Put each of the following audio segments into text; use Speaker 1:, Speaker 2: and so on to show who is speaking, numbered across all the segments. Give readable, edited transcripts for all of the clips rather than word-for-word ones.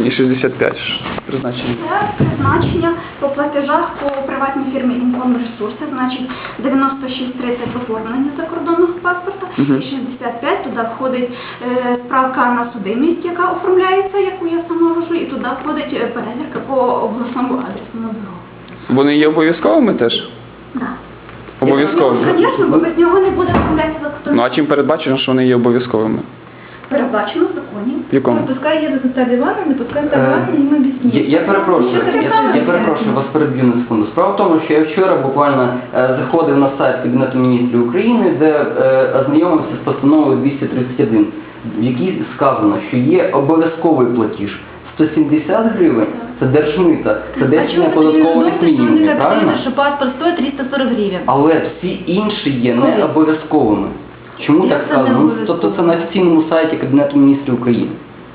Speaker 1: і 65 призначення.
Speaker 2: Це призначення по платежах по приватній фірмі «Інформресурси», значить 96.30 оформлення закордонного паспорта, і 65 туди входить справка на судимість, яка оформляється, яку я сама вожу, і туди входить перевірка по обласному адресному бюро.
Speaker 1: Вони є обов'язковими теж?
Speaker 2: Так.
Speaker 1: Обов'язково.
Speaker 2: Звісно, бо без нього не буде оформлятися закордонний.
Speaker 1: Ну а чим передбачено, що вони є обов'язковими?
Speaker 2: Передбачено в законі.
Speaker 1: В якому?
Speaker 3: Пускай їде Наталія Івановна, не пускай Наталія Івановна, їм об'ясніть.
Speaker 4: Я перепрошую вас переб'ю на секунду. Справа в тому, що я вчора буквально заходив на сайт Кабінету міністрів України, де ознайомився з постановою 231, в якій сказано, що є обов'язковий платіж 170 гривень, це держмита, це держення податкових мінімумів, правильно?
Speaker 3: Що паспорт стоїть 340 гривень.
Speaker 4: Але всі інші є не обов'язковими. Чому
Speaker 3: Як
Speaker 4: так
Speaker 3: це не
Speaker 4: сказано?
Speaker 3: обов'язково?
Speaker 4: Тобто це на офіційному сайті Кабінету міністрів України.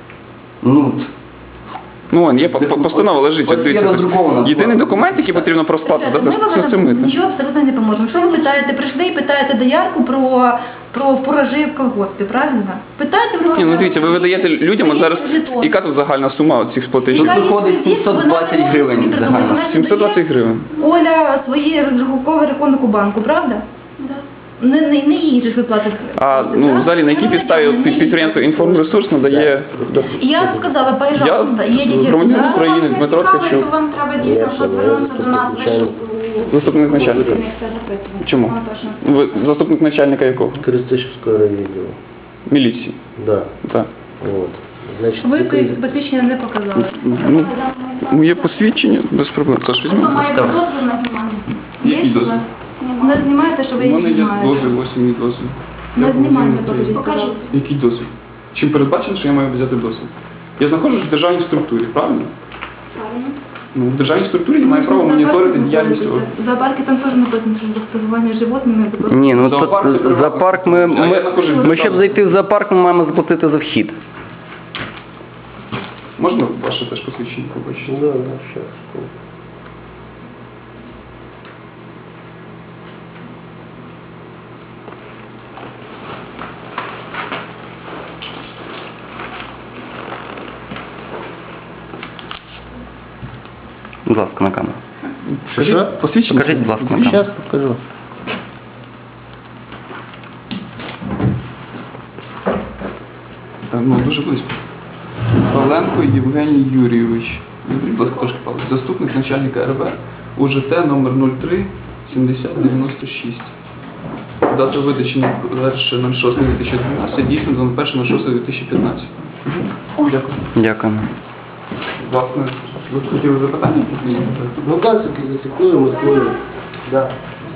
Speaker 1: Ну, вон, є постанова лежить.
Speaker 4: Ось є роздрукована.
Speaker 1: Єдиний документ, який потрібно про сплату,
Speaker 3: Ми
Speaker 1: це
Speaker 3: вам
Speaker 1: митне.
Speaker 3: нічого абсолютно не поможемо. Якщо ви питаєте, прийшли і питаєте доярку про фуражі в колгоспі, правильно? Питайте про...
Speaker 1: Ні, ну дивіться, ви видаєте людям, от зараз, яка тут загальна сума цих платежів?
Speaker 4: Тут виходить 720 гривень загально.
Speaker 1: 720 гривень.
Speaker 3: Оля своє розрахункове рахунок у банку, правда?
Speaker 2: Да.
Speaker 3: Не їй же ж ви платите.
Speaker 1: А ну, взагалі, на якій підставі підприємство «Інформресурс» надає...
Speaker 3: Я сказала, пожалуйста, їдете.
Speaker 1: громадянин України, Дмитро Ткачук,
Speaker 2: Вам треба дійсно, щоб звернутися до нас.
Speaker 1: заступник начальника. Чому? Ви заступник начальника якого?
Speaker 5: Крестышевского райвідділу.
Speaker 1: Міліції.
Speaker 5: Да.
Speaker 1: Так.
Speaker 5: Вот. Значит,
Speaker 3: Ви
Speaker 5: тільки-
Speaker 3: посвідчення не показали.
Speaker 1: Ну, є посвідчення, без проблем. Тож
Speaker 2: Хто
Speaker 1: візьмемо.
Speaker 2: має дозвіл на знімання?
Speaker 1: Який
Speaker 2: Є у
Speaker 1: дозвіл?
Speaker 2: вас?
Speaker 3: Не
Speaker 2: Немає.
Speaker 3: знімаєте, що ви
Speaker 1: У
Speaker 3: їх
Speaker 1: мене є
Speaker 3: знімаєте.
Speaker 1: дозвіл, ось мій дозвіл.
Speaker 3: Не знімайте, покажіть.
Speaker 2: Покажіть.
Speaker 1: Який дозвіл? Чим передбачено, що я маю взяти дозвіл? Я знаходжусь в державній структурі, правильно?
Speaker 2: Правильно.
Speaker 1: Ну, в державній структурі я маю право моніторити діяльність органів.
Speaker 3: В зоопарке там теж написано, що за споживання животними.
Speaker 4: Ні, ну
Speaker 1: Зоопарк це
Speaker 4: тут зоопарк ми щоб зайти в зоопарк, ми маємо заплатити за вхід.
Speaker 1: Можна ваше теж посвідчення побачити?
Speaker 5: Да, да, сейчас.
Speaker 4: Будь ласка, на камеру.
Speaker 1: Покажіть посвідчення.
Speaker 4: Покажіть, будь ласка, на камеру.
Speaker 5: Сейчас покажу.
Speaker 1: Так, ну, дуже близько. Павленко Євгеній Юрійович. Будь ласка, трошки Павло. Заступник начальника РВ УЖТ номер 03 7096. Дата видачі 1.06.2012, дійсно 21.06.2015. Дякую.
Speaker 4: Дякую.
Speaker 1: Власне, ви хотіли запитання?
Speaker 5: Ну, галстуки зафиксируем, условия. Да.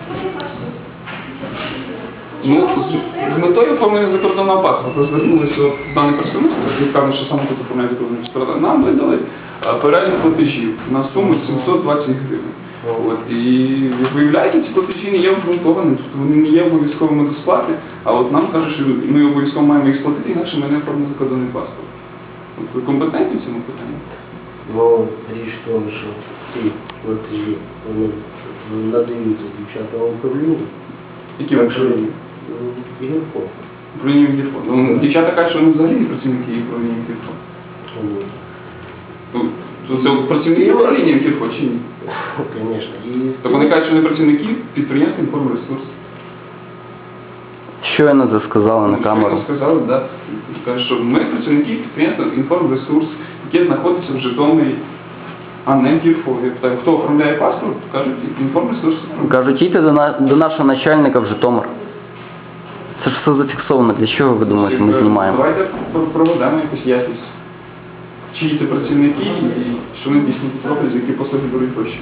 Speaker 1: Ну, з метою оформлення закордонного паспорта звернулися до даної представництва, які кажуть, що саме тут оформляють закордонний паспорт. Нам видали перелік платежів на суму 720 гривень. От, і як виявляється, ці платежі не є обґрунтованими, тобто вони не є обов'язковими до сплати, а от нам кажуть, що ми обов'язково маємо їх сплатити, інакше ми не оформимо закордонний паспорт. От, ви компетентні в цьому питанні?
Speaker 5: Но речь в том, что ці платежі вони надаються дівчатам управління.
Speaker 1: Які ви управління?
Speaker 5: ігорко.
Speaker 1: Управління Мінфіну. Ну, дівчата кажуть, що вони взагалі не працівники управління Мінфіну. Ну, це працівники управління Мінфіну чи ні?
Speaker 5: Конечно.
Speaker 1: Так вони кажуть, що вони працівники підприємства «Інформресурс».
Speaker 4: Щойно це сказали на камеру.
Speaker 1: Щойно сказали, да. Кажуть, що ми працівники підприємства «Інформресурс», яке знаходиться в Житомирі, а не в Києві. Я питаю, хто оформляє паспорт? Кажуть, «Інформресурс».
Speaker 4: Кажуть, їдьте до нашого начальника в Житомир. Це ж все зафіксовано. Для чого ви думаєте, ми знімаємо?
Speaker 1: Давайте проведемо якусь ясність. Чиї це працівники і що вони дійсно тут роблять, за які послуги беруть гроші.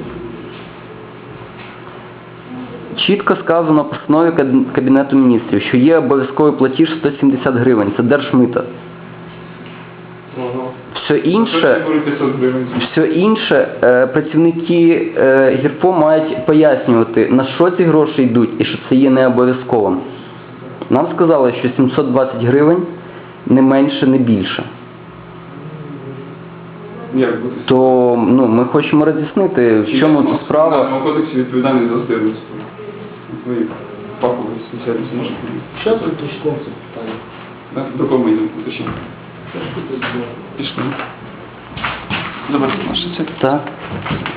Speaker 4: Чітко сказано в постанові Кабінету міністрів, що є обов'язковий платіж 170 гривень. Це держмита. Все інше,
Speaker 1: Хтось беруть 500 гривень.
Speaker 4: працівники ГІРФО мають пояснювати, на що ці гроші йдуть і що це є не обов'язковим. Нам сказали, що 720 гривень не менше, не більше.
Speaker 1: Як буде?
Speaker 4: То ми хочемо роз'яснити, в чому тут справа.
Speaker 1: В Кримінальному кодексі відповідальність за здирництво. Ви фахові спеціалісти можете?
Speaker 5: Сейчас уточним це питання.
Speaker 1: Так? До кого ми йдемо уточнити? Пішли. Заберіть наше це.
Speaker 4: Так.